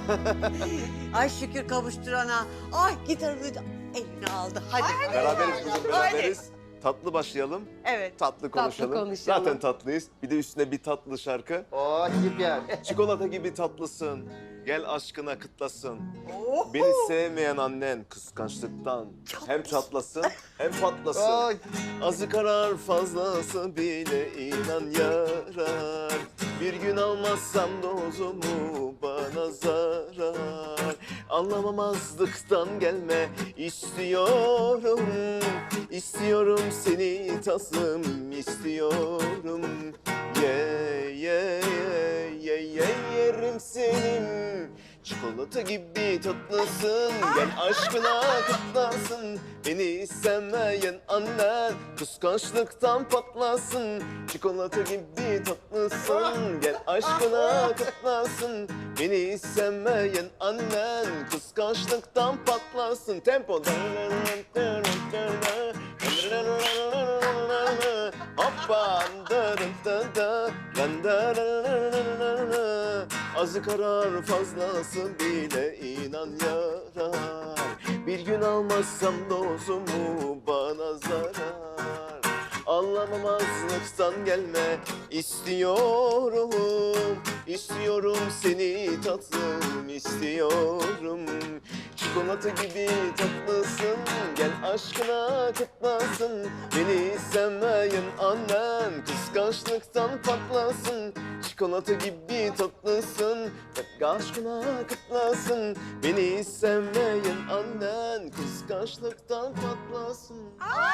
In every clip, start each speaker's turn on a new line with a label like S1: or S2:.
S1: Ay şükür kavuşturana. Ay gitarını eline aldı. Hadi.
S2: Beraberiz kızım, beraberiz. Tatlı başlayalım.
S1: Evet.
S2: Tatlı konuşalım.
S3: konuşalım.
S2: Zaten tatlıyız. Bir de üstüne bir tatlı şarkı.
S4: Oo süper.
S2: Çikolata gibi tatlısın. Gel aşkına kıtlasın.
S1: Oh.
S2: Beni sevmeyen annen kıskançlıktan hem çatlasın hem patlasın.
S4: Oy.
S2: Azı karar fazlası bile inan yarar. Bir gün almazsam dozumu bana zarar. Anlamamazlıktan gelme istiyorum. İstiyorum seni tatlım istiyorum. Yerim senin. Çikolata gibi tatlısın. Gel aşkına kutlasın. Beni istemeyen annen kıskançlıktan patlasın. Çikolata gibi tatlısın. Gel aşkına kutlasın. Beni istemeyen annen kıskançlıktan patlasın. Tempo. Hoppa. Azı karar fazlası bile inan yarar. Bir gün almazsam dozumu bana zarar. Anlamamazlıktan gelme istiyorum. İstiyorum seni tatlım istiyorum. Çikolata gibi tatlısın. Gel aşkına kutlasın. Beni sevmeyen annen kıskançlıktan patlasın. Çikolata gibi tatlısın. Gel aşkına kutlasın. Beni sevmeyen annen kıskançlıktan patlasın.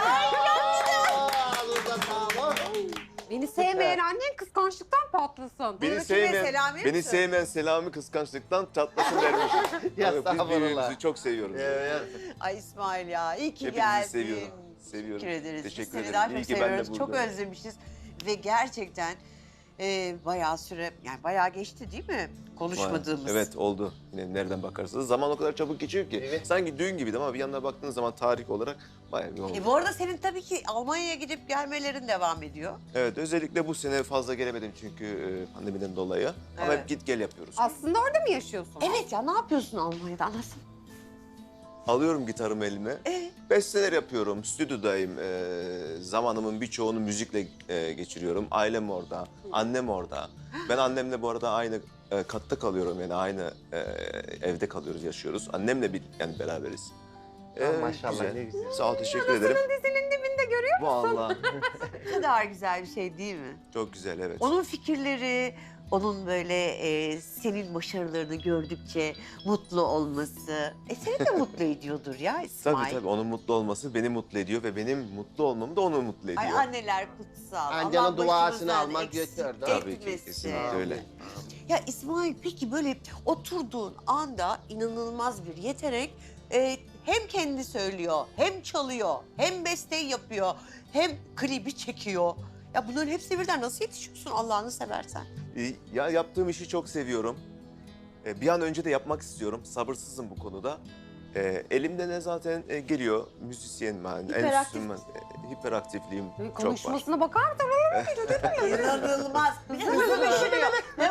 S3: Beni sevmeyen annen kıskançlıktan patlasın.
S2: Beni
S1: kime,
S2: sevmeyen,
S1: Selami'ye mi
S2: beni
S1: söylüyorsun?
S2: sevmeyen Selami kıskançlıktan çatlasın dermiş.
S4: Ya
S2: Biz
S4: estağfurullah.
S2: birbirimizi çok seviyoruz.
S4: Evet.
S1: Ay İsmail ya iyi ki
S2: Hepinizi
S1: geldin.
S2: seviyorum. Seviyorum.
S1: Teşekkür ederiz.
S2: Teşekkür
S1: Biz seni
S2: ederim.
S1: daha
S2: İyi
S1: çok
S2: ki ben de
S1: seviyoruz. Çok
S2: buradayım.
S1: özlemişiz. Ve gerçekten bayağı süre, yani bayağı geçti değil mi? Konuşmadığımız.
S2: Evet oldu. Yine nereden bakarsanız. Zaman o kadar çabuk geçiyor ki.
S4: Evet.
S2: Sanki düğün gibiydi ama bir yandan baktığınız zaman tarih olarak bayağı bir oldu.
S1: Bu arada senin tabii ki Almanya'ya gidip gelmelerin devam ediyor.
S2: Evet özellikle bu sene fazla gelemedim çünkü pandemiden dolayı. Ama
S1: Evet.
S2: hep git gel yapıyoruz.
S3: Aslında orada mı yaşıyorsun?
S1: Evet ya ne yapıyorsun Almanya'da anlatsana.
S2: Alıyorum gitarımı elime. Besteler yapıyorum, stüdyodayım. Zamanımın birçoğunu müzikle geçiriyorum. Ailem orada, annem orada. Ben annemle bu arada aynı katta kalıyorum yani aynı evde kalıyoruz, yaşıyoruz. Annemle yani beraberiz.
S4: Maşallah, ne güzel.
S2: Sağ ol, teşekkür ederim.
S3: Dizinin dibinde görüyor
S2: Vallahi
S1: Ne kadar güzel bir şey değil mi?
S2: çok güzel, evet.
S1: Onun fikirleri, onun böyle senin başarılarını gördükçe mutlu olması. Seni de mutlu ediyordur ya İsmail.
S2: Tabii tabii, onun mutlu olması beni mutlu ediyor ve benim mutlu olmam da onu mutlu ediyor.
S1: Ay anneler kutsal.
S4: Ancanın
S1: Allah
S4: duasını
S1: başımızdan
S4: almak
S1: eksik
S4: yeter, değil mi?
S2: Tabii ki,
S1: etmesin.
S2: kesinlikle öyle.
S1: Ya İsmail peki böyle oturduğun anda inanılmaz bir yetenek. Hem kendi söylüyor, hem çalıyor, hem besteyi yapıyor, hem klibi çekiyor. Ya bunların hepsi birden nasıl yetişiyorsun Allah'ını seversen?
S2: Ya yaptığım işi çok seviyorum. Bir an önce de yapmak istiyorum. Sabırsızım bu konuda. Elimde ne zaten geliyor. Müzisyenim ben.
S1: Hiperaktif
S2: Enstrüman, hiperaktifliğim çok var.
S3: Konuşmasına bakar mısın?
S1: İnanılmaz. Bir de hızlı düşünüyor.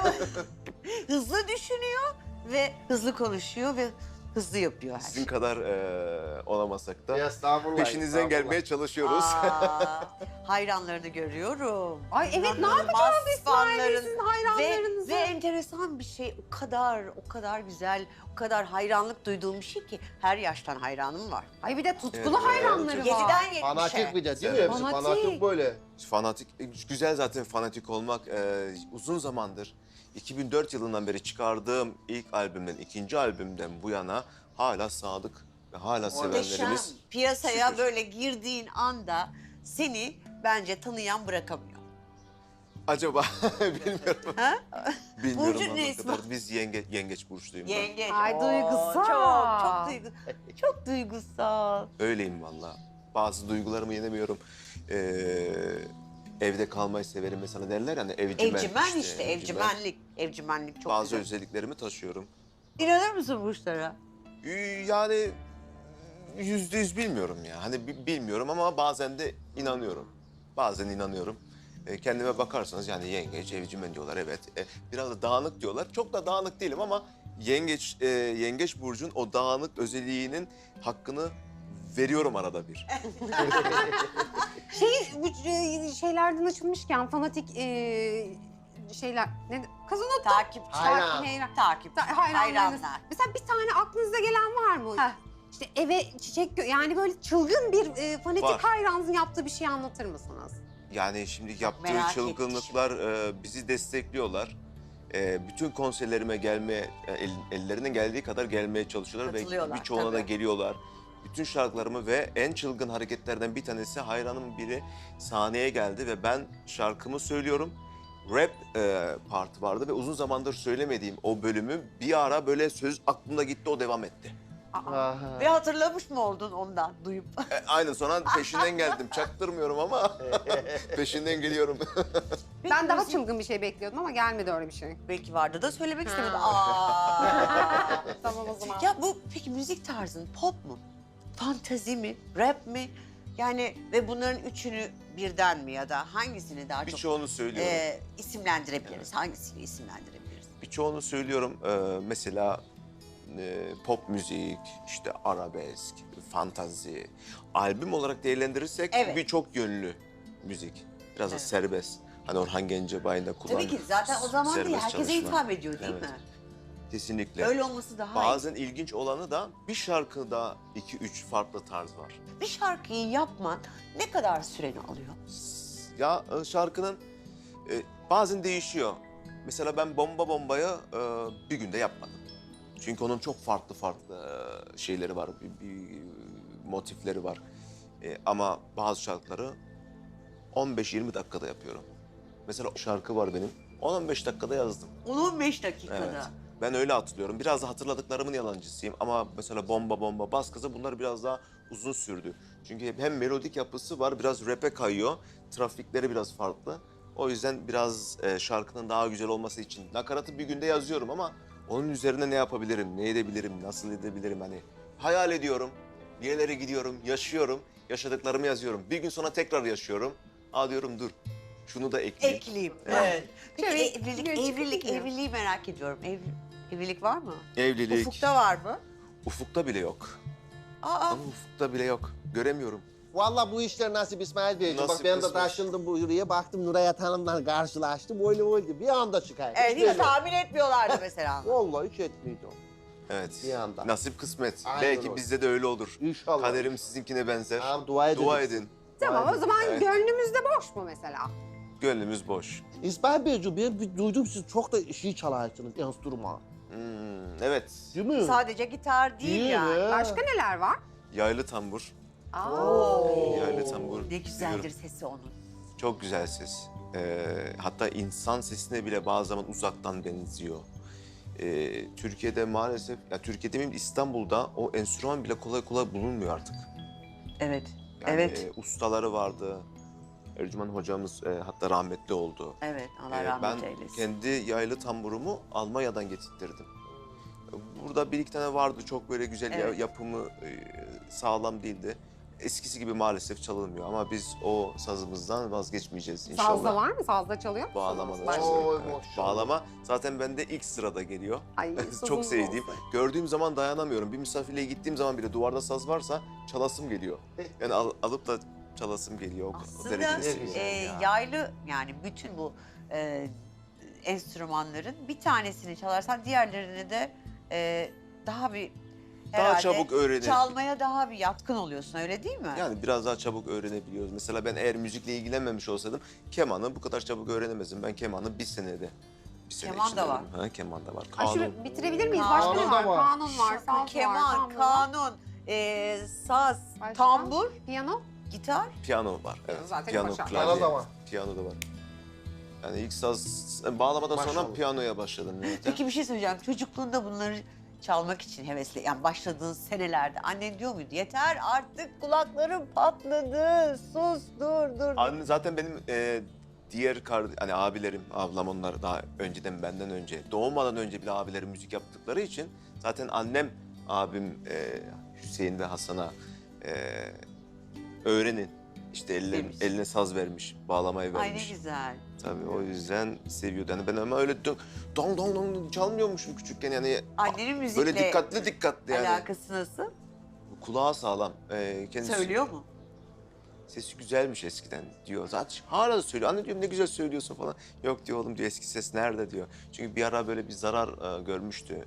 S1: Hızlı düşünüyor ve hızlı konuşuyor ve hızlı yapıyor her
S2: Sizin
S1: şeyi.
S2: kadar olamasak da
S4: Estağfurullah.
S2: peşinizden
S4: estağfurullah.
S2: gelmeye çalışıyoruz.
S1: Aa, hayranlarını görüyorum.
S3: Ay evet, ne
S1: İnanılmaz
S3: yapacağız İsmail'le
S1: fanların.
S3: sizin hayranlarınızı?
S1: Ve enteresan bir şey, o kadar güzel, o kadar hayranlık duyduğum bir şey ki her yaştan hayranım var.
S3: Ay bir de tutkulu
S2: Evet,
S3: hayranları
S2: evet.
S3: var.
S1: 7'den 70'e.
S4: Fanatik bir de değil mi? Hepsi
S3: Fanatik.
S4: fanatik böyle.
S2: Fanatik, güzel zaten fanatik olmak. Uzun zamandır, 2004 yılından beri çıkardığım ilk albümden, ikinci albümden bu yana hala sadık ve hala
S1: Muhteşem.
S2: sevenlerimiz.
S1: Piyasaya
S2: şükür.
S1: böyle girdiğin anda seni bence tanıyan bırakamıyor.
S2: Acaba bilmiyorum.
S1: Ha?
S2: Bilmiyorum
S1: Burcun
S2: ama
S1: ne
S2: ne
S1: ismi?
S2: kadar. Biz yengeç burçluyum ben.
S1: Yengeç.
S3: Ay,
S1: Oo,
S3: duygusal.
S1: Çok duygusal.
S2: Öyleyim valla. Bazı duygularımı yenemiyorum. Evde kalmayı severim mesela derler yani evcimen.
S1: Evcimen işte, evcimenlik. Evcimenlik çok
S2: Bazı
S1: güzel.
S2: özelliklerimi taşıyorum.
S1: İnanır mısın burçlara?
S2: Yani %100 bilmiyorum ya. Hani bilmiyorum ama bazen de inanıyorum. Bazen inanıyorum. Kendime bakarsanız yani yengeç, evcimen diyorlar evet. Biraz da dağınık diyorlar. Çok da dağınık değilim ama Yengeç burcun o dağınık özelliğinin hakkını veriyorum arada bir.
S3: Bu şeylerden açılmışken fanatik şeyler ne kız unuttum.
S1: Takipçi.
S4: Hayran.
S1: Takipçi.
S3: Hayranlarınız.
S1: Hayranlar.
S3: Mesela bir tane aklınıza gelen var mı?
S1: Heh.
S3: İşte eve çiçek yani böyle çılgın bir fanatik
S2: Var.
S3: hayranınızın yaptığı bir şey anlatır mısınız?
S2: Yani şimdi yaptığı
S1: merak
S2: çılgınlıklar bizi destekliyorlar. Bütün konserlerime gelmeye, ellerine geldiği kadar gelmeye çalışıyorlar ve
S1: Katılıyorlar,
S2: birçoğuna da
S1: tabii.
S2: geliyorlar. Bütün şarkılarımı ve en çılgın hareketlerden bir tanesi hayranımın biri sahneye geldi ve ben şarkımı söylüyorum. Rap partı vardı ve uzun zamandır söylemediğim o bölümü bir ara böyle söz aklımda gitti, o devam etti.
S4: Aha.
S1: Ve hatırlamış mı oldun ondan duyup?
S2: Aynen, sonra peşinden geldim. Çaktırmıyorum ama peşinden geliyorum.
S3: Ben daha çılgın bir şey bekliyordum ama gelmedi öyle bir şey.
S1: Belki vardı da söylemek istemedim.
S3: Ha.
S1: Aa.
S3: Tamam o zaman.
S1: Ya bu peki müzik tarzın pop mu? Fantazi mi? Rap mi? Yani ve bunların üçünü birden mi ya da hangisini daha çok
S2: Birçoğunu söylüyorum.
S1: isimlendirebiliriz? Hangisini isimlendirebiliriz?
S2: Birçoğunu söylüyorum. Mesela pop müzik, işte arabesk, fantazi. Albüm olarak değerlendirirsek
S1: Evet.
S2: birçok yönlü müzik. Biraz da
S1: Evet.
S2: serbest. Hani Orhan Gencebay'ın da kullandığı
S1: Tabii ki zaten o zaman değil,
S2: serbest
S1: herkese
S2: çalışma.
S1: hitap ediyor değil
S2: Evet.
S1: mi?
S2: Kesinlikle.
S1: Öyle olması daha iyi.
S2: Bazen ilginç olanı da bir şarkıda 2-3 farklı tarz var.
S1: Bir şarkıyı yapman ne kadar süreni alıyor?
S2: Ya şarkının bazen değişiyor. Mesela ben Bomba Bomba'yı bir günde yapmadım. Çünkü onun çok farklı şeyleri var, bir motifleri var. Ama bazı şarkıları 15-20 dakikada yapıyorum. Mesela şarkı var benim, 10-15 dakikada yazdım.
S1: 15 dakikada.
S2: Evet. Ben öyle hatırlıyorum. Biraz da hatırladıklarımın yalancısıyım. Ama mesela Bomba Bomba, Bas Gaza bunlar biraz daha uzun sürdü. Çünkü hem melodik yapısı var, biraz rap'e kayıyor. Trafikleri biraz farklı. O yüzden biraz şarkının daha güzel olması için nakaratı bir günde yazıyorum ama onun üzerine ne yapabilirim, ne edebilirim, nasıl edebilirim hani hayal ediyorum. Bir yerlere gidiyorum, yaşıyorum, yaşadıklarımı yazıyorum. Bir gün sonra tekrar yaşıyorum. Aa diyorum dur, şunu da ekleyeyim.
S1: Ekleyeyim.
S2: Evet.
S1: Evet. Peki
S3: Şöyle
S1: evlilik,
S3: çıkıyor.
S1: evliliği merak ediyorum. Evlilik var mı?
S2: Evlilik,
S1: Ufukta var mı?
S2: ufukta bile yok.
S1: Aa,
S2: Ama ufukta bile yok. Göremiyorum.
S4: Vallahi bu işler nasip İsmail Beyciğim. Bak
S2: Nasip
S4: ben de
S2: kısmet.
S4: taşındım buraya. Baktım Nurayat Hanım'la karşılaştım. Öyle oldu. Bir anda çıkar.
S1: evet, hiç tahmin etmiyorlardı mesela.
S4: Vallahi hiç etmiyordum.
S2: Evet.
S4: Bir anda.
S2: Nasip kısmet.
S4: Aynen
S2: Belki
S4: öyle.
S2: bizde de öyle olur.
S4: İnşallah.
S2: Kaderim sizinkine benzer.
S4: Tamam, dua edin.
S2: Dua edin.
S3: Tamam o zaman
S2: Evet.
S3: gönlümüzde boş mu mesela?
S2: Gönlümüz boş.
S4: İsmail Beyciğim ben bir duydum siz çok da şey çalarsınız enstrüman.
S2: Evet.
S4: Değil mi?
S1: Sadece gitar değil,
S4: Değil
S1: yani.
S4: mi?
S3: Başka neler var?
S2: Yaylı tambur. Yaylı tambur.
S1: Ne güzeldir
S2: biliyorum.
S1: sesi onun.
S2: Çok güzel ses. Hatta insan sesine bile bazı zaman uzaktan benziyor. Türkiye'de maalesef, ya Türkiye'de demeyeyim İstanbul'da o enstrüman bile kolay kolay bulunmuyor artık.
S1: Evet.
S2: Yani,
S1: Evet.
S2: Ustaları vardı. Ercüman hocamız hatta rahmetli oldu.
S1: Evet. Allah
S2: Ben
S1: rahmet eylesin.
S2: kendi yaylı tamburumu Almanya'dan getirttirdim. Burada bir iki tane vardı çok böyle güzel
S1: Evet.
S2: yapımı sağlam değildi. Eskisi gibi maalesef çalınmıyor ama biz o sazımızdan vazgeçmeyeceğiz inşallah.
S3: Sazda var mı? Sazda çalıyor musunuz?
S2: Bağlama da
S3: Var.
S2: çalıyorum.
S4: Oy,
S2: Evet.
S4: maşallah.
S2: Bağlama zaten bende ilk sırada geliyor.
S3: Ay,
S2: Çok
S3: sazınız
S2: sevdiğim.
S3: olsun.
S2: Gördüğüm zaman dayanamıyorum. Bir misafirliğe gittiğim zaman bile duvarda saz varsa çalasım geliyor. Yani alıp da çalasım geliyor. O
S1: Aslında
S2: derecede seviyorum.
S4: ya.
S1: yaylı yani bütün bu enstrümanların bir tanesini çalarsan diğerlerini de daha bir herhalde
S2: Daha çabuk öğrenir.
S1: çalmaya daha bir yatkın oluyorsun, öyle değil mi?
S2: Yani biraz daha çabuk öğrenebiliyoruz. Mesela ben eğer müzikle ilgilenmemiş olsaydım kemanı bu kadar çabuk öğrenemezdim. Ben kemanı bir senede. Bir sene
S1: Keman
S2: içinde
S1: da var.
S2: öğrendim. Ha, keman da var.
S3: Ay,
S2: Kanun.
S3: şunu bitirebilir miyiz?
S1: Kanun
S3: Başka ne
S4: da
S3: var?
S4: var.
S3: Kanun var, saz var,
S1: Keman,
S3: tambur var.
S1: kanun, saz,
S3: Başka?
S1: tambur,
S3: Piyano.
S1: gitar.
S2: Piyano var. Evet.
S3: Zaten
S2: Piyano,
S3: başa.
S2: klavye.
S4: Bana da var.
S2: Piyano da var. Yani ilk saz bağlamadan sonra
S4: Maşallah.
S2: piyanoya başladım. zaten.
S1: Peki bir şey söyleyeceğim. Çocukluğunda bunları çalmak için hevesli, yani başladığın senelerde annen diyor muydu? Yeter artık, kulaklarım patladı, sus, dur.
S2: Anne zaten benim diğer hani abilerim, ablam onlar daha önceden benden önce, doğmadan önce bile abilerim müzik yaptıkları için zaten annem, abim Hüseyin ve Hasan'a öğrenin. İşte
S1: Demiş.
S2: eline saz vermiş, bağlamayı
S1: Ay ne
S2: vermiş.
S1: güzel.
S2: Tabii o yüzden seviyordu. Yani ben ama öyle dong dong dong çalmıyormuşum küçükken yani.
S1: Annenin müzikle
S2: Böyle dikkatli yani.
S1: alakası nasıl?
S2: Kulağı sağlam. Kendisi
S1: Söylüyor mu?
S2: Sesi güzelmiş eskiden diyor. Zaten hala da söylüyor. Anne diyorum ne güzel söylüyorsun falan. Yok diyor oğlum diyor eski ses nerede diyor. Çünkü bir ara böyle bir zarar görmüştü.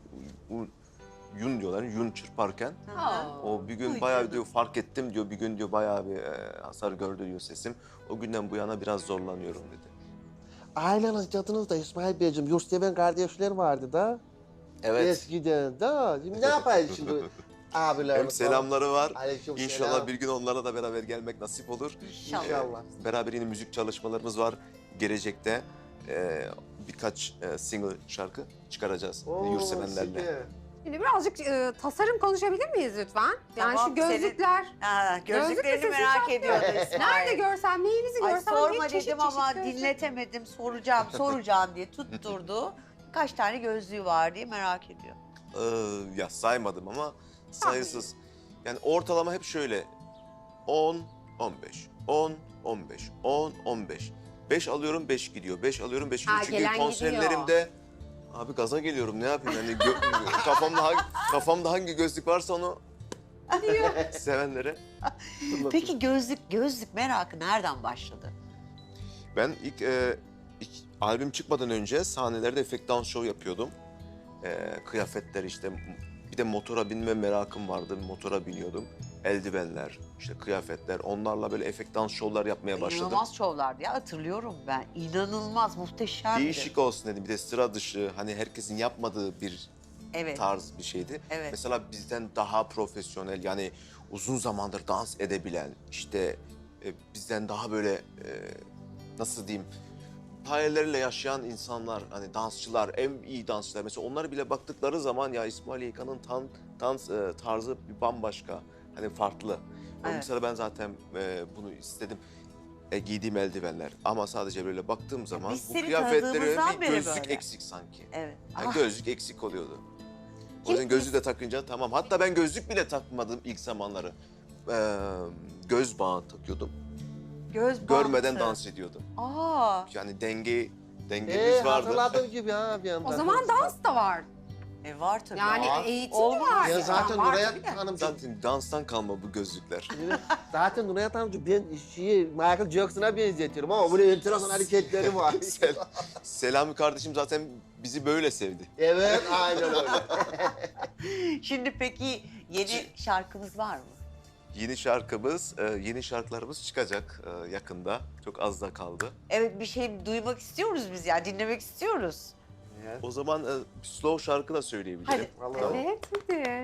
S2: Yun diyorlar, yun çırparken. O bir gün
S1: Ay
S2: bayağı
S1: canım.
S2: diyor fark ettim diyor. Bir gün diyor bayağı bir hasar gördü diyor sesim. O günden bu yana biraz zorlanıyorum dedi.
S4: Aileniz, cadınız da İsmail Beyciğim, yurtseven kardeşler vardı da.
S2: Evet.
S4: Eskiden da. Şimdi ne yapayız şimdi abiler?
S2: Hem selamları var.
S4: Aleyküm
S2: İnşallah
S4: selam.
S2: bir gün onlara da beraber gelmek nasip olur.
S1: İnşallah.
S4: İnşallah.
S2: Beraber yine müzik çalışmalarımız var. Gelecekte birkaç single şarkı çıkaracağız
S4: Oo,
S2: yurtsevenlerle.
S4: süper.
S3: Şimdi birazcık tasarım konuşabilir miyiz lütfen? Yani
S1: Tamam,
S3: şu gözlükler.
S1: Gözlüklerini
S3: sesi
S1: merak
S3: çok
S1: ediyordu
S3: güzel.
S1: İsmail.
S3: Nerede görsem, neyinizi
S1: Ay
S3: görsem
S1: sorma
S3: bir çeşit
S1: dedim ama
S3: çeşit gözlük.
S1: dinletemedim. Soracağım diye tutturdu. Kaç tane gözlüğü var diye merak ediyor.
S2: Ya saymadım ama sayısız. Yani ortalama hep şöyle. 10, 15, 10, 15, 10, 15. 5 alıyorum 5 gidiyor. 5 alıyorum 5 gidiyor.
S3: Ha,
S2: Çünkü
S3: gelen
S2: konserlerimde abi gaza geliyorum ne yapayım yani kafamda hangi gözlük varsa onu sevenlere.
S1: Peki gözlük merakı nereden başladı?
S2: Ben ilk albüm çıkmadan önce sahnelerde efekt dans show yapıyordum. Kıyafetler işte bir de motora binme merakım vardı. Motora biniyordum. Eldivenler, işte kıyafetler onlarla böyle efekt dans şovlar yapmaya başladım.
S1: İnanılmaz şovlardı ya hatırlıyorum ben. İnanılmaz muhteşemdi.
S2: Değişik olsun dedim. Bir de sıra dışı hani herkesin yapmadığı bir
S1: Evet.
S2: tarz bir şeydi.
S1: Evet.
S2: Mesela bizden daha profesyonel yani uzun zamandır dans edebilen işte bizden daha böyle nasıl diyeyim hayalleriyle yaşayan insanlar hani dansçılar en iyi dansçılar mesela onlara bile baktıkları zaman ya İsmail YK'nın dans tarzı bir bambaşka hani farklı.
S1: Evet.
S2: Mesela ben zaten bunu istedim. Giydiğim eldivenler ama sadece böyle baktığım zaman
S1: biz
S2: bu
S1: seni
S2: kıyafetlere
S1: tanıdığımızdan
S2: bir
S1: beri
S2: gözlük
S1: böyle.
S2: eksik sanki.
S1: Evet.
S2: Yani gözlük eksik oluyordu. O yüzden gözlüğü de takınca tamam. Hatta ben gözlük bile takmadım ilk zamanları. Göz bağı takıyordum.
S1: Göz
S2: Görmeden
S1: bantı.
S2: dans ediyordum.
S1: Aa,
S2: Yani dengemiz vardı.
S4: Hatırladığım gibi ha bir anda.
S3: O zaman dans da var.
S1: var tabii.
S3: Yani
S1: Aa,
S3: eğitim
S1: olmaz.
S3: var.
S4: Ya zaten
S3: var
S4: Nuray
S3: tabii de.
S4: Hanımcığım,
S2: Zaten danstan kalma bu gözlükler.
S4: zaten Nuray Hanımcığım ben Michael Jackson'a benzetiyorum ama böyle enteresan hareketleri var.
S2: Selami kardeşim zaten bizi böyle sevdi.
S4: Evet, aynen öyle.
S1: Şimdi peki yeni şarkımız var mı?
S2: Yeni şarkılarımız çıkacak yakında. Çok az da kaldı.
S1: Evet bir şey duymak istiyoruz biz ya dinlemek istiyoruz.
S2: O zaman bir slow şarkı da söyleyebilirim.
S1: Hadi.
S4: Vallahi.
S3: Evet hadi.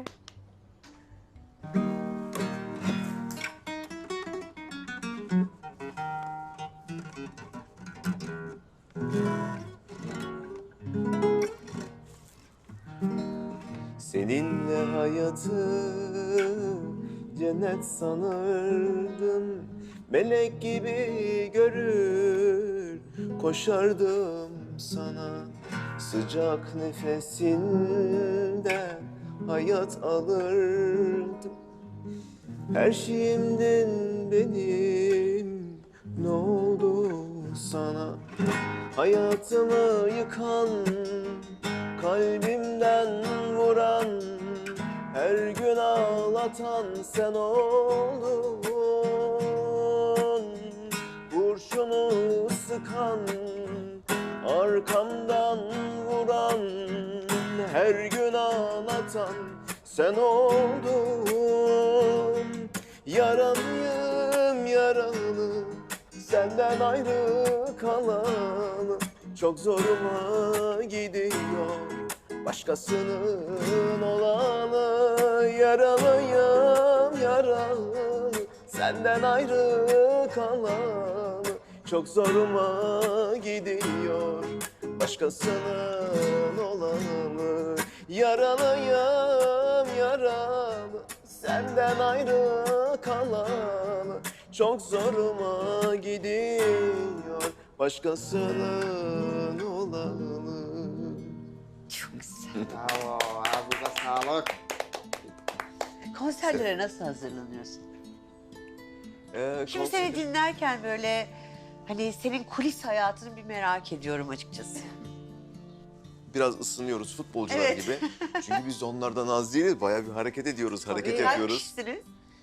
S2: Seninle hayatı cennet sanırdım. Melek gibi görür koşardım sana. Sıcak nefesinden hayat alırdım. Her şeyimden benim ne oldu sana? Hayatımı yıkan, kalbimden vuran, her gün ağlatan sen oldun. Kurşunu sıkan, arkamdan vuran, her gün ağlatan sen oldun. Yaralıyım yaralı, senden ayrı kalalı. Çok zoruma gidiyor başkasının olalı. Yaralıyım yaralı, senden ayrı kalalı. Çok zoruma gidiyor başkasının olalı. Yaralıyım yaralı, senden ayrı kalalı. Çok zoruma gidiyor başkasının olalı.
S1: Çok güzel.
S4: Bravo, ağzınıza sağlık.
S1: Konserlere nasıl hazırlanıyorsun? Şimdi seni dinlerken böyle Hani senin kulis hayatını bir merak ediyorum açıkçası.
S2: Biraz ısınıyoruz futbolcular
S1: Evet.
S2: gibi. Çünkü biz onlardan az değiliz. Bayağı bir hareket ediyoruz, hareket
S1: Tabii, kaç
S2: yapıyoruz.
S1: kişisiniz?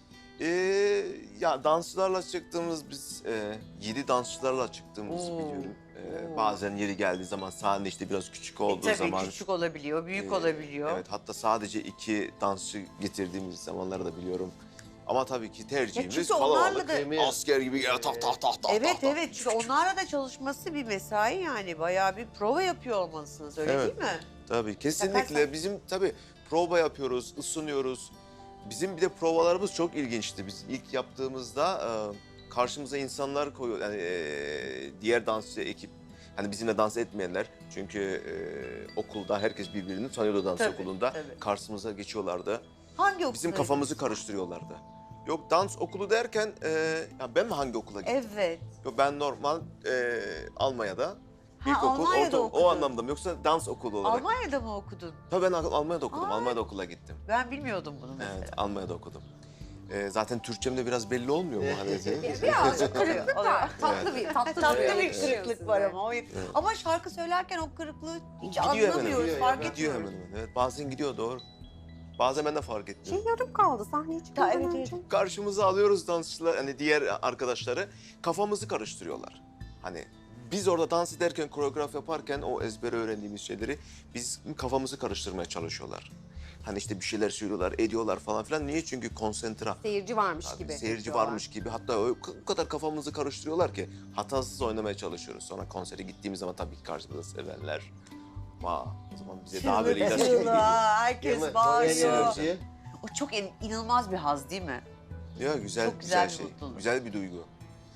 S2: Ya dansçılarla çıktığımız biz 7 dansçılarla çıktığımızı
S1: Oo.
S2: biliyorum.
S1: Oo.
S2: Bazen yeri geldiği zaman sahne işte biraz küçük olduğu
S1: Tabii
S2: zaman.
S1: küçük olabiliyor, büyük
S2: e,
S1: olabiliyor.
S2: Evet, hatta sadece 2 dansçı getirdiğimiz zamanları da biliyorum. Ama tabii ki tercihimiz
S1: çünkü onlarla
S2: kalabalık.
S1: da-
S2: Asker gibi gel tak tak tak tak.
S1: Evet
S2: tak, tak.
S1: evet, çünkü onlarla da çalışması bir mesai yani. Bayağı bir prova yapıyor olmalısınız, öyle
S2: Evet.
S1: değil mi?
S2: Tabii kesinlikle.
S1: Yaparsan-
S2: Bizim tabii prova yapıyoruz, ısınıyoruz. Bizim bir de provalarımız çok ilginçti. Biz ilk yaptığımızda karşımıza insanlar koyuyor. Yani diğer dansçı ekip, hani bizimle dans etmeyenler. Çünkü okulda herkes birbirini tanıyordu dans
S1: Tabii,
S2: okulunda.
S1: tabii.
S2: Karşımıza geçiyorlardı.
S1: Hangi okul?
S2: Bizim kafamızı karıştırıyorlardı. Yok dans okulu derken, ya ben mi hangi okula gittim?
S1: Evet.
S2: Yok ben normal Almanya'da.
S1: Ha,
S2: İlkokul,
S1: Almanya'da
S2: o
S1: okudun.
S2: anlamda mı? Yoksa dans okulu olarak.
S1: Almanya'da mı okudun?
S2: Tabii ben Almanya'da okudum.
S1: Aa.
S2: Almanya'da okula gittim.
S1: Ben bilmiyordum bunu mesela.
S2: Evet, Almanya'da okudum. Zaten Türkçem de biraz belli olmuyor mu? Hani
S3: Birazcık kırıklık
S1: Oluyor.
S3: var. Tatlı bir
S1: Tatlı
S3: duruyor,
S1: bir
S3: yakışıyor
S1: kırıklık var
S3: size.
S1: ama. Ama şarkı söylerken o kırıklığı hiç
S2: Gidiyor hemen,
S1: anlamıyoruz,
S4: gidiyor,
S1: fark
S4: hemen.
S2: gidiyor
S1: etmiyoruz.
S2: hemen hemen. Evet, bazen gidiyor doğru. Bazen ben de fark
S3: Şey
S2: etmiyorum.
S3: yarım kaldı sahneye çıkmadan
S1: evet,
S3: önce.
S2: Karşımıza alıyoruz dansçılar, hani diğer arkadaşları, kafamızı karıştırıyorlar. Hani biz orada dans ederken, koreograf yaparken o ezbere öğrendiğimiz şeyleri biz kafamızı karıştırmaya çalışıyorlar. Hani işte bir şeyler söylüyorlar, ediyorlar falan filan. Niye? Çünkü konsantre.
S3: Seyirci varmış
S2: Abi,
S3: gibi.
S2: seyirci
S3: yapıyorlar.
S2: varmış gibi. Hatta o kadar kafamızı karıştırıyorlar ki hatasız oynamaya çalışıyoruz. Sonra konsere gittiğimiz zaman tabii ki karşımızda sevenler. Vay, o zaman bize daha böyle ilaç gibi
S1: Çığlık,
S2: geliyor.
S1: herkes
S4: Değil mi?
S1: bağırıyor.
S4: Enerji.
S1: O çok inanılmaz bir haz değil mi?
S2: Ya güzel,
S1: Çok güzel bir
S2: şey.
S1: mutluluk.
S2: Güzel bir duygu.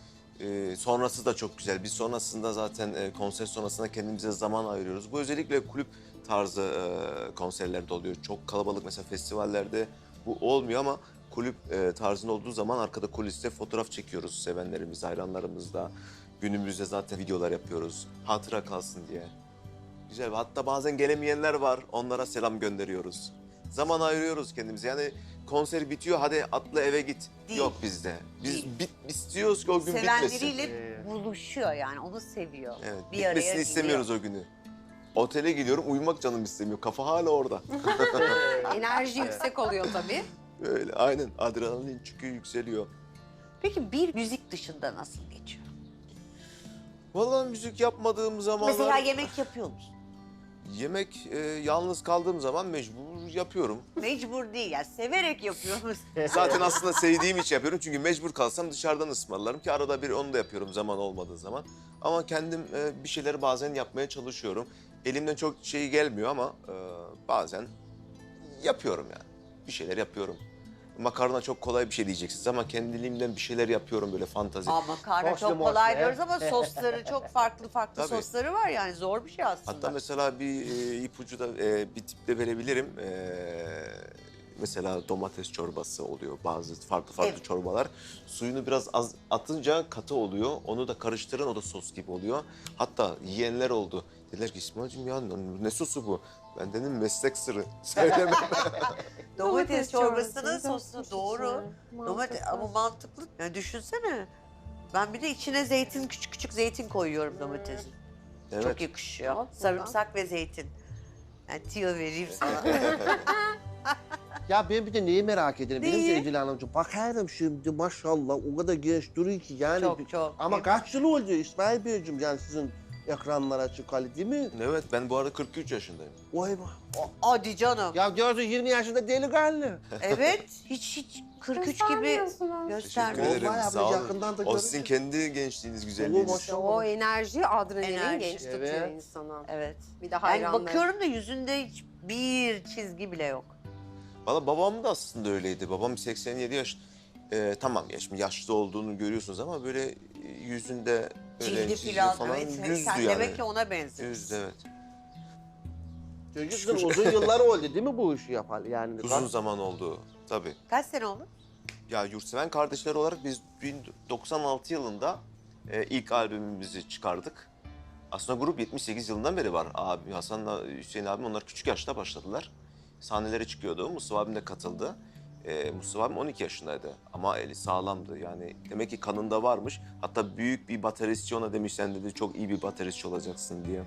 S2: Sonrası da çok güzel. Biz sonrasında zaten konser sonrasında kendimize zaman ayırıyoruz. Bu özellikle kulüp tarzı konserlerde oluyor. Çok kalabalık mesela festivallerde bu olmuyor ama kulüp tarzında olduğu zaman arkada kuliste fotoğraf çekiyoruz sevenlerimiz, hayranlarımızla. Günümüzde zaten videolar yapıyoruz. Hatıra kalsın diye. Güzel. Hatta bazen gelemeyenler var. Onlara selam gönderiyoruz. Zaman ayırıyoruz kendimize. Yani konser bitiyor, hadi atla eve git.
S1: Değil.
S2: Yok bizde. Biz
S1: Değil.
S2: istiyoruz ki o gün bitmesin.
S1: Sevenleriyle buluşuyor yani, onu seviyor.
S2: Evet,
S1: Bir araya
S2: bitmesini
S1: geliyor.
S2: istemiyoruz o günü. Otele gidiyorum, uyumak canım istemiyor. Kafa hala orada.
S3: Enerji yüksek oluyor tabii.
S2: Öyle, aynen. Adrenalin çıkıyor, yükseliyor.
S1: Peki bir müzik dışında nasıl geçiyor?
S2: Vallahi müzik yapmadığım zamanlar...
S1: Mesela yemek yapıyor musun?
S2: Yemek, yalnız kaldığım zaman mecbur yapıyorum.
S1: Mecbur değil, yani severek yapıyor musun?
S2: Zaten aslında sevdiğim için yapıyorum. Çünkü mecbur kalsam dışarıdan ısmarlarım ki arada bir onu da yapıyorum zaman olmadığı zaman. Ama kendim bir şeyleri bazen yapmaya çalışıyorum. Elimden çok şey gelmiyor ama bazen yapıyorum yani. Bir şeyler yapıyorum. Makarna çok kolay bir şey diyeceksiniz ama kendiliğimden bir şeyler yapıyorum böyle fantazi.
S1: Aa, makarna
S4: Soslu
S1: çok
S4: moslu,
S1: kolay
S4: he?
S1: diyoruz ama sosları çok farklı
S2: Tabii.
S1: sosları var, yani zor bir şey aslında.
S2: Hatta mesela bir ipucu da bir tip de verebilirim. Mesela domates çorbası oluyor, bazı farklı
S1: Evet.
S2: çorbalar. Suyunu biraz az atınca katı oluyor. Onu da karıştırın, o da sos gibi oluyor. Hatta yiyenler oldu. Dediler ki İsmail'cim ya ne sosu bu? Ben dedim meslek sırrı. Söylemem.
S1: Domates çorbasının sosu
S3: sosu,
S1: doğru. Domates ama mantıklı. Yani düşünsene. Ben bir de içine zeytin, küçük küçük zeytin koyuyorum domatesin. Çok
S2: Evet.
S1: yakışıyor.
S3: Bak
S1: Sarımsak ve zeytin. Yani tüyo vereyim sana.
S4: Ya ben bir de neyi merak ederim biliyor musun
S1: Neyi?
S4: Edil Hanımcığım? Bakarım şimdi maşallah o kadar genç duruyor ki yani.
S1: Çok.
S4: Ama kaç yıl oldu İsmail Beyciğim yani sizin ekranlara çıkalı değil mi?
S2: Evet, ben bu arada 43 yaşındayım.
S4: Vay be.
S1: Hadi canım.
S4: Ya diyorsun 20 yaşında delikanlı.
S1: Evet. Hiç 43 gibi
S3: Göstermiyorsunuz.
S1: göstermiyor.
S2: Teşekkür ederim,
S4: Vallahi
S2: sağ olun.
S4: yakından da
S2: O sizin
S4: görünce-
S2: kendi gençliğiniz,
S4: Oo,
S2: güzelliğiniz.
S4: maşallah.
S3: O enerji, adrenalin
S1: Enerji,
S3: genç tutuyor
S4: evet.
S3: insanı.
S1: Evet.
S3: Bir de
S1: Yani
S3: hayranlar.
S1: bakıyorum da yüzünde hiçbir çizgi bile yok.
S2: Valla babam da aslında öyleydi. Babam 87 yaş. Tamam şimdi yaşlı olduğunu görüyorsunuz ama böyle yüzünde böyle
S1: Cildi
S2: çizgi
S1: falan. Evet.
S2: yüzdü
S1: Sen
S2: yani.
S1: demek ki ona benziyorsun.
S2: Yüzdü, evet.
S4: Çocuksun uzun yıllar oldu değil mi bu işi yapalı yani?
S2: Uzun zaman oldu tabii.
S1: Kaç sene oldu?
S2: Ya Yurtseven kardeşler olarak biz 1996 yılında ilk albümümüzü çıkardık. Aslında grup 78 yılından beri var. Abi Hasan'la Hüseyin abim onlar küçük yaşta başladılar. Sahnelere çıkıyordu. Mustafa abim de katıldı. Mustafa abim 12 yaşındaydı ama eli sağlamdı. Yani demek ki kanında varmış. Hatta büyük bir bateristçi ona demiş, sen dedi çok iyi bir bateristçi olacaksın diye.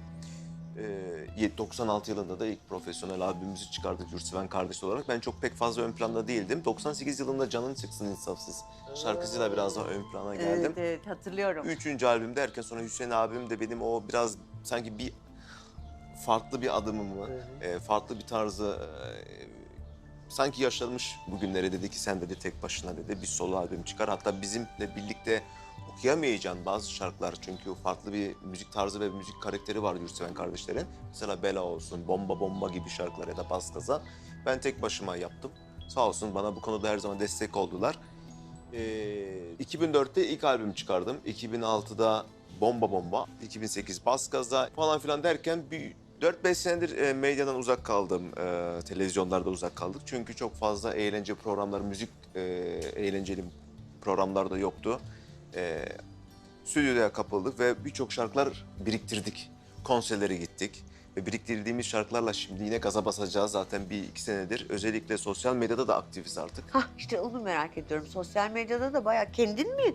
S2: 96 yılında da ilk profesyonel albümümüzü çıkardık Yurtseven kardeş olarak. Ben çok pek fazla ön planda değildim. 98 yılında Canın Çıksın İnsafsız şarkısıyla biraz daha ön plana geldim.
S1: Evet, evet hatırlıyorum.
S2: 3. albüm derken sonra Hüseyin abim de benim o biraz sanki bir farklı bir adımımı, farklı bir tarzı sanki yaşlanmış bugünleri, dedi ki sen dedi tek başına dedi bir solo albüm çıkar. Hatta bizimle birlikte okuyamayacağın bazı şarkılar, çünkü farklı bir müzik tarzı ve müzik karakteri var Yurtseven kardeşlerin. Mesela Bela olsun, Bomba Bomba gibi şarkılar ya da Bas Gaza. Ben tek başıma yaptım. Sağ olsun bana bu konuda her zaman destek oldular. 2004'te ilk albüm çıkardım. 2006'da Bomba Bomba, 2008 Bas Gaza falan filan derken bir 4-5 senedir medyadan uzak kaldım. Televizyonlarda uzak kaldık. Çünkü çok fazla eğlence programları, müzik eğlenceli programlar da yoktu. Stüdyoya kapıldık ve birçok şarkılar biriktirdik. Konserlere gittik. Ve biriktirdiğimiz şarkılarla şimdi yine gaza basacağız zaten 1-2 senedir. Özellikle sosyal medyada da aktifiz artık.
S1: Hah işte onu merak ediyorum. Sosyal medyada da bayağı kendin mi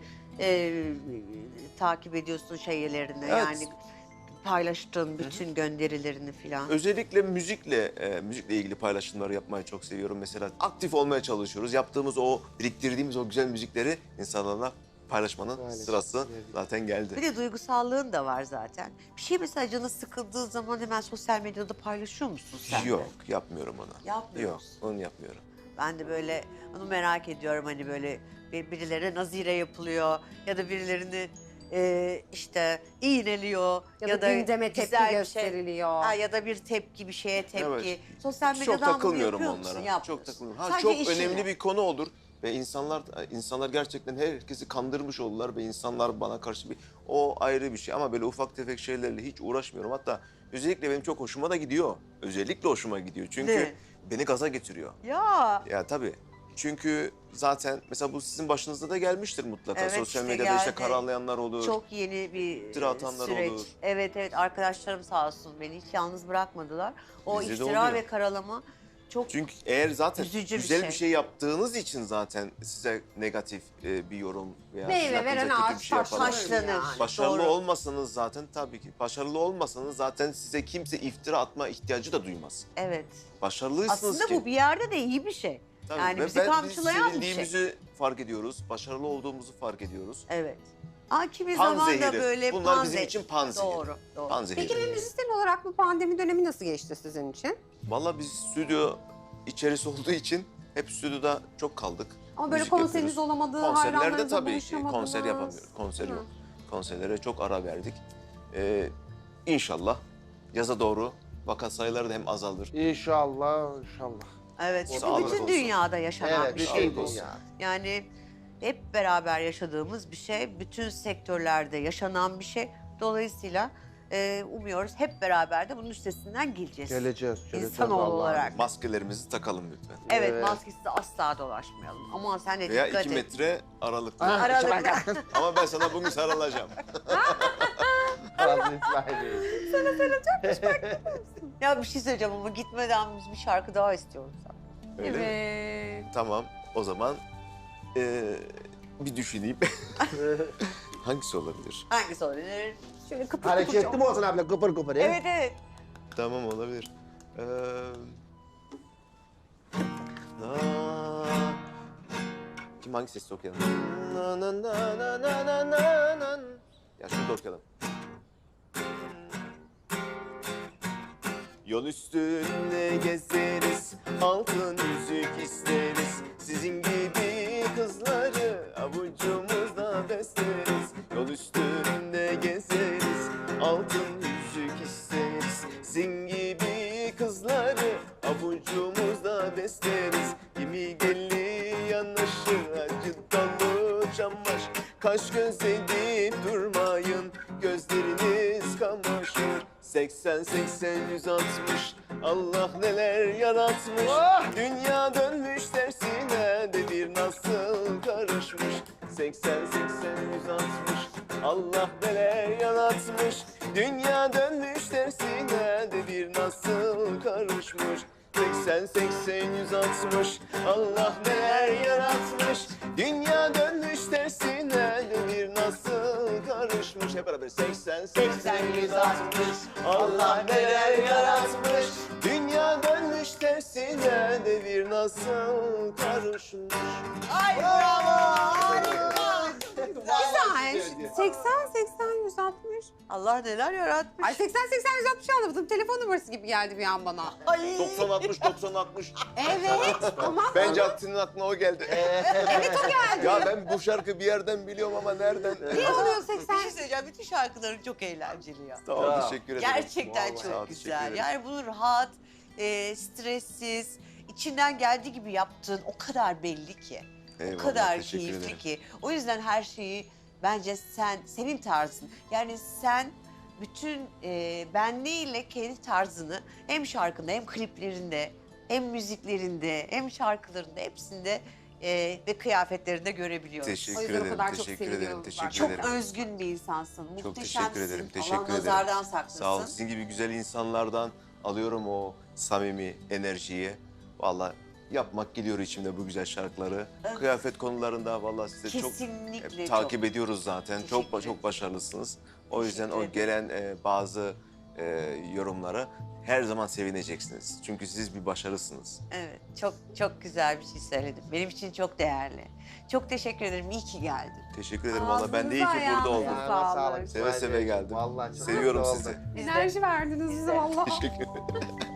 S1: takip ediyorsun şeylerini?
S2: Evet.
S1: Yani paylaştığın bütün gönderilerini falan.
S2: Özellikle müzikle ilgili paylaşımları yapmayı çok seviyorum. Mesela aktif olmaya çalışıyoruz. Yaptığımız o, biriktirdiğimiz o güzel müzikleri insanlarla paylaşmanın
S4: Maalesef.
S2: sırası
S4: Evet.
S2: zaten geldi.
S1: Bir de duygusallığın da var zaten. Bir şey mesela canı sıkıldığı zaman hemen sosyal medyada paylaşıyor musun sen de?
S2: Yok, yapmıyorum onu.
S1: Yapmıyor
S2: Yok,
S1: musun?
S2: onu yapmıyorum.
S1: Ben de böyle onu merak ediyorum, hani böyle birilerine nazire yapılıyor ya da birilerini işte iğneliyor
S3: Ya da gündeme tepki
S1: güzel bir şey-
S3: gösteriliyor.
S1: Ha, ya da bir tepki, bir şeye tepki.
S2: Evet.
S1: Sosyal
S2: Çok
S1: medyadan bunu
S2: takılmıyorum
S1: yapıyor musun?
S2: onlara.
S1: Yapmıyorsun.
S2: Çok takılmıyorum. Ha,
S1: Sadece
S2: çok
S1: işine.
S2: önemli bir konu olur ve insanlar gerçekten herkesi kandırmış oldular ve insanlar bana karşı o ayrı bir şey, ama böyle ufak tefek şeylerle hiç uğraşmıyorum. Hatta özellikle benim çok hoşuma da gidiyor. Özellikle hoşuma gidiyor. Çünkü
S1: Ne?
S2: beni gaza getiriyor.
S1: Ya.
S2: Ya tabii. Çünkü zaten mesela bu sizin başınıza da gelmiştir mutlaka.
S1: Evet,
S2: Sosyal
S1: işte
S2: medyada işte
S1: geldi.
S2: karalayanlar olur.
S1: Çok yeni bir
S2: İftira atanlar
S1: süreç.
S2: olur.
S1: Evet evet, arkadaşlarım sağ olsun beni hiç yalnız bırakmadılar. O
S2: Bizde de
S1: iftira
S2: oluyor.
S1: ve karalama çok
S2: Çünkü eğer zaten
S1: üzücü bir
S2: güzel
S1: şey.
S2: bir şey yaptığınız için zaten size negatif bir yorum veya
S3: Meyve
S2: sizin
S3: veren
S2: hakkınızda kötü
S3: ağaç
S2: bir şey yaparlar.
S1: taşlanır.
S3: Yani.
S2: Başarılı
S1: Doğru.
S2: olmasanız zaten tabii ki. Başarılı olmasanız zaten size kimse iftira atma ihtiyacı da duymaz.
S1: evet.
S2: Başarılıysanız
S1: Aslında
S2: ki.
S1: bu bir yerde de iyi bir şey.
S2: Tabii.
S1: yani
S2: Ve
S1: bizi
S2: biz
S1: kamçılayan bir şey.
S2: sevildiğimizi fark ediyoruz. Başarılı olduğumuzu fark ediyoruz.
S1: Evet. Kimi
S2: Pan
S1: zaman da
S2: zehiri.
S1: böyle
S2: Bunlar
S1: pan
S2: bizim
S1: zehri.
S2: için pan zehiri.
S1: Doğru, doğru.
S2: Pan zehiri.
S3: Peki bir müzisyen olarak bu pandemi dönemi nasıl geçti sizin için?
S2: Vallahi biz stüdyo içerisi olduğu için hep stüdyoda çok kaldık.
S3: Ama böyle
S2: Müzik
S3: konseriniz
S2: yapıyoruz.
S3: olamadı,
S2: Konserlerde
S3: hayranlarınızla
S2: tabii ki
S3: buluşamadınız.
S2: konser yapamıyoruz. Konser
S3: Değil mi?
S2: yok. Konserlere çok ara verdik. İnşallah yaza doğru vaka sayıları da hem azalır.
S4: İnşallah, inşallah.
S1: Evet, çünkü
S2: Sağlık
S1: bütün
S2: olsun.
S1: dünyada yaşanan
S4: Evet,
S1: bir
S4: bir
S1: şey
S4: şey
S1: bu.
S4: bu ya.
S1: Yani hep beraber yaşadığımız bir şey, bütün sektörlerde yaşanan bir şey. Dolayısıyla umuyoruz hep beraber de bunun üstesinden geleceğiz.
S4: Geleceğiz.
S1: İnsanoğlu
S4: Allah'ım.
S1: olarak.
S2: Maskelerimizi takalım lütfen.
S1: Evet,
S4: Evet.
S1: maskesiz asla dolaşmayalım. Aman sen de
S2: Veya
S1: dikkat
S2: 2
S1: et.
S2: metre aralıklı.
S4: Ah,
S1: Aralıkta.
S2: Ama ben sana bugün sarılacağım.
S4: Hazreti İsmail.
S1: Ya bir şey söyleyeceğim ama gitmeden biz bir şarkı daha istiyoruz.
S2: Öyle mi?
S3: Evet.
S2: Tamam, o zaman bir düşüneyim. Hangisi olabilir?
S1: Hangisi olabilir?
S3: Şöyle kıpır kıpır.
S4: Hareketli mi olsun abla? Kıpır kıpır.
S1: Evet evet.
S2: Tamam, olabilir. Kim hangi sesle okuyalım? Na na na na na na na na. Ya şurada okuyalım. Yol üstünde gezeriz, altın yüzük isteriz. Sizin gibi kızları avucumuzda besleriz. Yol üstünde gezeriz, altın yüzük isteriz. Sizin gibi kızları avucumuzda besleriz. Kimi deli yanaşır, acı dolu çamaşır. Kaş göz edip durmayın, gözleriniz kamaşır. 80-80-160, Allah neler yaratmış. Dünya dönmüş tersine, devir nasıl karışmış. 80-80-160, Allah neler yaratmış. Dünya dönmüş tersine, devir nasıl karışmış. 80 80 160 Allah neler yaratmış. Dünya dönmüş tersine devir nasıl karışmış. Hep beraber 80 80 160 Allah neler yaratmış. Dünya dönmüş tersine devir nasıl karışmış.
S1: Ay bravo! Harika!
S3: Güzel. 80-80-160.
S1: Allah neler yaratmış.
S3: Ay 80-80-160 anlamadım. Telefon numarası gibi geldi bir an bana.
S1: Ay.
S2: 90 60 90 60.
S3: Evet ama
S2: Bence senin aklına o geldi.
S3: evet o geldi.
S2: Ya ben bu şarkı bir yerden biliyorum ama nereden?
S3: Ne oluyor
S1: Bir
S3: 80?
S1: şey söyleyeceğim. Bütün şarkıların çok eğlenceli ya.
S2: Tamam,
S4: Ya.
S2: teşekkür ederim.
S1: Gerçekten
S2: Vallahi. Sağ ol,
S1: çok
S2: teşekkür
S1: güzel.
S2: ederim.
S1: Yani bunu rahat, stressiz, içinden geldiği gibi yaptığın o kadar belli ki.
S2: Eyvallah,
S1: O kadar
S2: teşekkür
S1: keyifli
S2: ederim.
S1: ki. O yüzden her şeyi bence senin tarzın. Yani sen bütün benliğiyle kendi tarzını hem şarkında hem kliplerinde hem müziklerinde hem şarkılarında hepsinde ve kıyafetlerinde görebiliyoruz.
S3: O
S2: Teşekkür
S3: yüzden o
S2: ederim,
S3: kadar çok
S2: teşekkür ederim,
S3: seviliyoruz
S2: teşekkür
S3: zaten.
S1: Çok
S2: ederim.
S1: özgün bir insansın.
S2: Çok
S1: Muhteşemsin.
S2: teşekkür ederim,
S1: Allah
S2: teşekkür ederim.
S1: nazardan saklasın.
S2: Sağ olun. Sizin gibi güzel insanlardan alıyorum o samimi enerjiyi. Vallahi yapmak geliyor içimde bu güzel şarkıları.
S1: Evet.
S2: Kıyafet konularında vallahi size çok
S1: Kesinlikle
S2: takip
S1: çok.
S2: ediyoruz zaten.
S1: Teşekkür
S2: Çok
S1: ederim.
S2: başarılısınız. O yüzden
S1: Teşekkür
S2: o gelen bazı yorumlara her zaman sevineceksiniz. Çünkü siz bir başarısınız.
S1: Evet, çok güzel bir şey söyledin. Benim için çok değerli. Çok teşekkür ederim. İyi ki geldin.
S2: Teşekkür ederim valla. Ben de iyi ki
S3: Ağzınıza,
S2: burada oldum.
S3: ayağınıza
S4: Ayağına
S3: sağlık.
S4: sağlık.
S2: Seve seve geldim.
S4: Vallahi çok
S2: Seviyorum
S4: mutlu
S2: sizi.
S4: oldum.
S1: Biz de-
S3: Enerji verdiniz bize valla.
S2: Teşekkür ederim.